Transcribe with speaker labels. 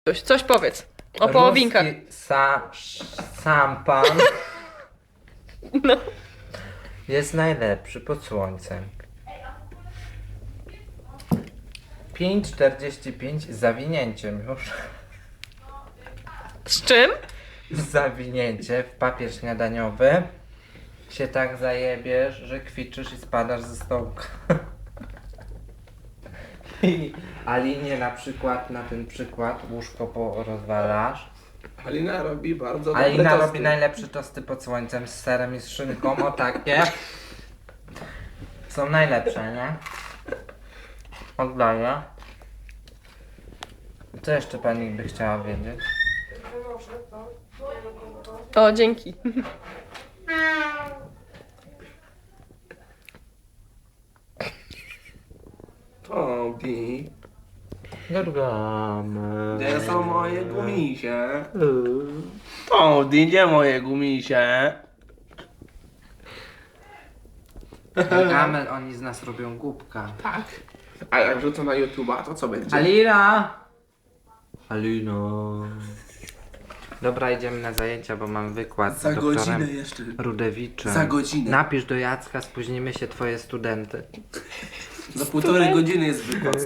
Speaker 1: Coś powiedz. O połowinkach.
Speaker 2: Ruski szampan
Speaker 1: No.
Speaker 2: jest najlepszy pod słońcem. 5,45 z zawinięciem już.
Speaker 1: Z czym?
Speaker 2: Zawinięcie w papier śniadaniowy. Się tak zajebiesz, że kwiczysz i spadasz ze stołka. I Alinie na przykład, na ten przykład łóżko porozwalasz.
Speaker 3: Alina robi bardzo dobre
Speaker 2: Alina
Speaker 3: tosty.
Speaker 2: robi najlepsze tosty pod słońcem z serem i z szynką, o takie. Są najlepsze, nie? Oddaję. Co jeszcze pani by chciała wiedzieć?
Speaker 1: O, dzięki.
Speaker 3: Tobi,
Speaker 2: Gargamy.
Speaker 3: gdzie są moje gumisie? Tobi, gdzie moje gumisie?
Speaker 2: Gargamel, oni z nas robią głupka.
Speaker 3: Tak. A jak wrzucę na YouTube'a, to co będzie?
Speaker 2: Alina! Alino. Dobra, idziemy na zajęcia, bo mam wykład
Speaker 3: Za
Speaker 2: z doktorem
Speaker 3: godzinę jeszcze.
Speaker 2: Rudewiczem.
Speaker 3: Za godzinę.
Speaker 2: Napisz do Jacka, spóźnimy się twoje studenty.
Speaker 3: Za 1,5 godziny jest wykład.